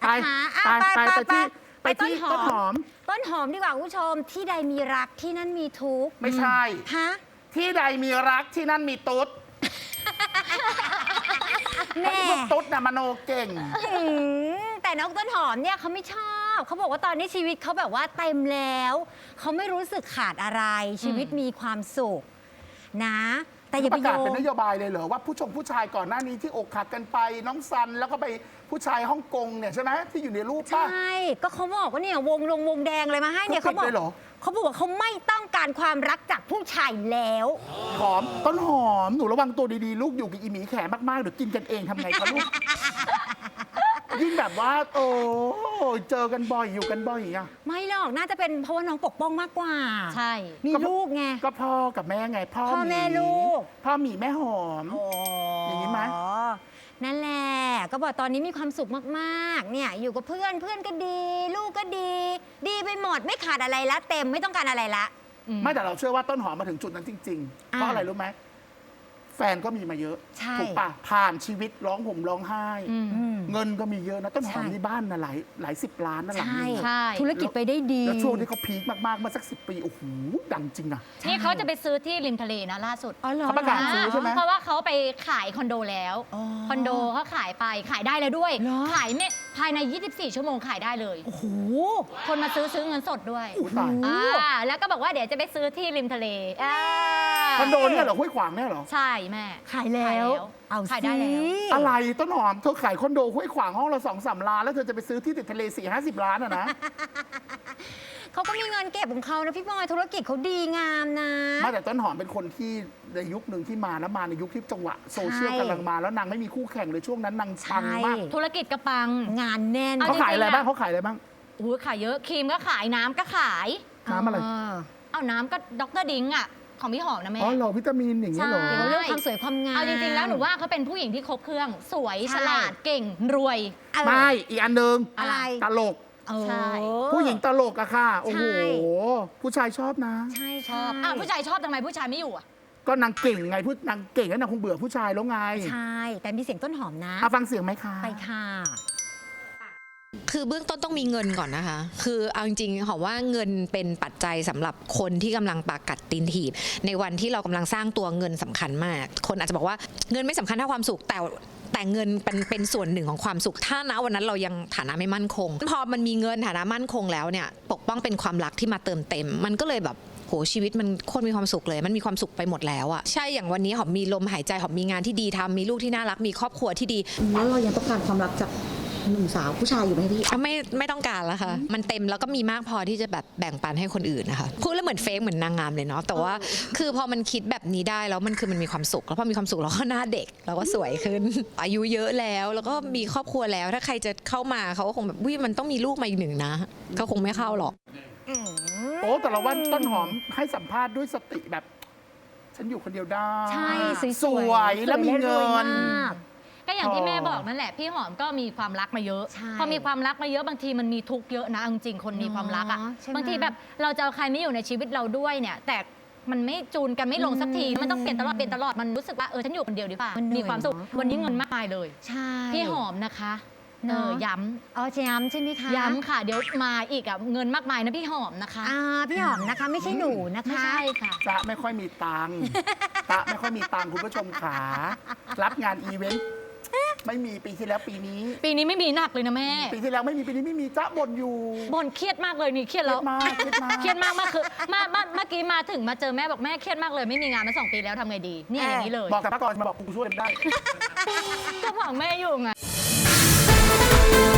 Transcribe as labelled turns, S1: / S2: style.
S1: ไปไปที่ต้นหอม
S2: ต้นหอมดีกว่าคุณผู้ชมที่ใดมีรักที่นั่นมีทุกข์
S1: ไม่ใช่
S2: ฮะ
S1: ที่ใดมีรักที่นั่นมีตุ๊ด
S2: แม่
S1: พวกตุ๊ดน่ะมโนเก่ง
S2: แต่น้องต้นหอมเนี่ยเขาไม่ชอบเขาบอกว่าตอนนี้ชีวิตเขาแบบว่าเต็มแล้วเขาไม่รู้สึกขาดอะไรชีวิตมีความสุขนะ แต่อย่า
S1: ป
S2: ไประ โย
S1: กาศเป็นน
S2: ง
S1: โยบายเลยเหรอว่าผู้ชายก่อนหน้านี้ที่อกหักกันไปน้องซันแล้วก็ไปผู้ชายฮ่องกงเนี่ยใช่ไหมที่อยู่ในรูป
S2: ใช
S1: ป่ะ
S2: ่ก็เขาบอกว่าเนี่ยวงแดงอะไรมาให้เนี่ย
S1: เขา
S2: เขา
S1: ปิดเลยเหรอ
S2: เขาบอกว่าเขาไม่ต้องการความรักจากผู้ชายแล้ว
S1: หอมต้นหอมหนูระวังตัวดีๆลูกอยู่กับอีหมีแขมากๆเดี๋ยวกินกันเองทำไงคะลูก ยิ่งแบบว่า โอ้เจอกันบ่อยอยู่กันบ่อยอ่ะ
S2: ไม่หรอกน่าจะเป็นเพราะว่าน้องปกป้องมากกว่า
S3: ใช่
S2: มีลูกไง
S1: ก็พ่อกับแม่ไงพ่อ
S2: พ่อ
S1: หมี
S2: แม่ลูก
S1: พ่อหมีแม่หอม อย่างนี้ไหม
S2: นั่นแหละก็บอกตอนนี้มีความสุขมากๆเนี่ยอยู่กับเพื่อนก็ดี ลูกก็ดี ดีไปหมดไม่ขาดอะไรละเต็มไม่ต้องการอะไรละ
S1: ไม่แต่เราเชื่อว่าต้นหอมมาถึงจุดนั้นจริง ๆ เพราะอะไรรู้ไหมแฟนก็มีมาเยอะ
S2: ใช่
S1: ถูกปะผ่านชีวิตร้องห่มร้องไห้
S2: อืม
S1: เงินก็มีเยอะนะต้นหอม
S2: ใช่
S1: นี่บ้านนะหลายสิบล้านนะหลัง
S2: ใช่
S1: นึง
S3: ใช่
S2: ธุรกิจไปได้ดี
S1: แล้วช่วงที่เขาพีคมากๆเมื่อสัก10 ปีโอ้โหดังจริงนะ
S3: นี่เขาจะไปซื้อที่ริมทะเลนะล่าสุด
S2: อ๋อเหรอ
S1: เขาประกาศซื้อใช่ไหม
S3: เพราะว่าเขาไปขายคอนโดแล้ว
S2: อ๋อ
S3: คอนโดเขาขายไปขายได้แล้วด้วย
S2: เหรอ
S3: ขายเนี่ยภายใน 24 ชั่วโมงขายได้เลย
S2: โอ้โห
S3: คนมาซื้อเงินสดด้วย
S1: อุ๊ยตาย
S3: แล้วก็บอกว่าเดี๋ยวจะไปซื้อที่ริมทะเล
S1: คอนโดเนี่ยเหรอห้วยขวางเนี่ยเหรอ
S3: ใช่แม่
S2: ขายแล้ว เอา
S3: ขายได้แล้ว
S2: สิ
S1: อะไรต้นหอมเธอขายคอนโดห้วยขวางห้องละ2-3 ล้านแล้วเธอจะไปซื้อที่ติดทะเล40-50 ล้านอะนะ
S2: เขาก็มีเงินเก็บของเขานะพี่บอยธุรกิจเขาดีงามนะ
S1: ไม่แต่ต้นหอมเป็นคนที่ในยุคหนึ่งที่มาแล้วมาในยุคที่จังหวะโซเชียล
S2: ใช่
S1: กำลังมาแล้วนางไม่มีคู่แข่งเลยช่วงนั้นนางปังมาก
S2: ใช่
S3: ธุรกิจกระปัง
S2: งานแน่น
S3: เอา
S1: เขาขายอะไร
S3: จริงๆอะ
S1: บ้างเขาขายอะไรบ้าง
S3: ขายเยอะครีมก็ขายน้ำก็ขาย
S1: น้ำอะไร
S3: เอาน้ำก็ดรดิ้งอ่ะของพี่หอมนะแม่
S1: อ๋อเหรอวิตามินอย่างนี้เหรอ
S3: ใช่
S2: เกี่ยวกับเรื่องความสวยความงาม
S3: เอาจริงๆแล้วหนูว่าเขาเป็นผู้หญิงที่ครบเครื่องสวย
S2: ใช่
S3: ฉลาดเก่งรวย
S2: เออ
S1: ไม่อีกอันหนึ่ง
S2: อะไร
S1: ตลก
S3: ใช่
S1: ผู้หญิงตลกอะค่ะ โอ้โห
S2: ใช่
S1: ผู้ชายชอบนะ
S2: ใช่
S3: ชอบผู้ชายชอบทำไมผู้ชายไม่อยู่อ่ะ
S1: ก็นางเก่งไงนางเก่งแล้วนางคงเบื่อผู้ชายแล้วไง
S2: ใช่ แต่มีเสียงต้นหอมนะ
S1: เอาฟังเสียงไหมคะ
S2: ไปค่ะ
S4: คือเบื้องต้นต้องมีเงินก่อนนะคะ คือเอาจริงๆหอมว่าเงินเป็นปัจจัยสำหรับคนที่กำลังปากกัดตีนถีบในวันที่เรากำลังสร้างตัวเงินสำคัญมาก คนอาจจะบอกว่าเงินไม่สำคัญเท่าความสุขแต่เงินเป็นส่วนหนึ่งของความสุขถ้าณวันนั้นเรายังฐานะไม่มั่นคง พอมันมีเงินฐานะมั่นคงแล้วเนี่ยปกป้องเป็นความรักที่มาเติมเต็ม มันก็เลยแบบโหชีวิตมันโคตรมีความสุขเลยมันมีความสุขไปหมดแล้วอะใช่อย่างวันนี้หอมมีลมหายใจหอมมีงานที่ดีทำมีลูกที่น่ารักมีครอบครัวที่ดี
S5: แล้วเรายังต้องการความรักจากหนุ่มสาวผู้ชายอยู่ไหมพี่
S4: ไม่ต้องการแล้วค่ะ มันเต็มแล้วก็มีมากพอที่จะแบบแบ่งปันให้คนอื่นนะคะพูดแล้วเหมือนเฟกเหมือนนางงามเลยเนาะแต่ว่าคือพอมันคิดแบบนี้ได้แล้วมันมีความสุขแล้วพอมีความสุขเราก็หน้าเด็กเราก็สวยขึ้น อายุเยอะแล้วก็มีครอบครัวแล้วถ้าใครจะเข้ามาเขาก็คงแบบวิมันต้องมีลูกมาอีกหนึ่งนะเขาคงไม่เข้าหรอก
S1: โอ้แต่ละวันต้นหอมให้สัมภาษณ์ด้วยสติแบบ ฉันอยู่คนเดียวได้
S2: ใช่ส
S1: ส
S2: ว
S1: วย ยแล้วมีเงิ
S2: รวย
S1: น
S2: มาก
S3: ก็อย่างที่แม่บอกนั่นแหละพี่หอมก็มีความรักมาเยอะ
S2: ใช่
S3: พอมีความรักมาเยอะบางทีมันมีทุกข์เยอะนะเอาจริงๆคนมีความรักอ่ะ
S2: เนาะใช่ไหม
S3: บางทีแบบเราจะเอาใครไม่อยู่ในชีวิตเราด้วยเนี่ย แต่มันไม่จูนกันไม่ลงสักทีมันต้องเปลี่ยนตลอดมันรู้สึกว่าฉันอยู่คนเดียวดีกว่า
S2: มันเหนื่อย
S3: มีความสุข
S2: เนอะ
S3: วันนี้เงินมากมายเลย
S2: ใช่
S3: พี่หอมนะคะ
S2: เนอะ
S3: ย้
S2: อ๋อจะย้ำใช่ไหมคะ
S3: ำย้ำค่ะ เดี๋ยวมาอีกอ่ะเงินมากมายนะพี่หอมนะคะ
S2: พี่หอมนะคะไม่ใช่หนูนะคะ
S3: ไม่ใช่ค่ะ
S1: จะไม่ค่อยมีตังค์จะไม่ค่อยมีตังค์คุณผู้ชมขารับงานอีเวนต์ไม่มีปีที่แล้วปีนี้
S3: ปีนี้ไม่มีหนักเลยนะแม่
S1: ปีที่แล้วไม่มีปีนี้ไม่มีจ๊ะบ่นอยู่
S3: บ่นเครียดมากเลยนี่เครียด
S1: เครี
S3: แล้
S1: ยว ดมากเครียดมาก
S3: เครียดมากคือเมื่อกี้มาถึงมาเจอแม่บอกแม่เครียดมากเลยไม่มีงานมา2 ปีแล้วทำไงดีเนี่ยอย่างนี้เลย
S1: บอกกับป้าก่อนมาบอกกูช่วยได้
S3: ก็ของแม่อยู่ไง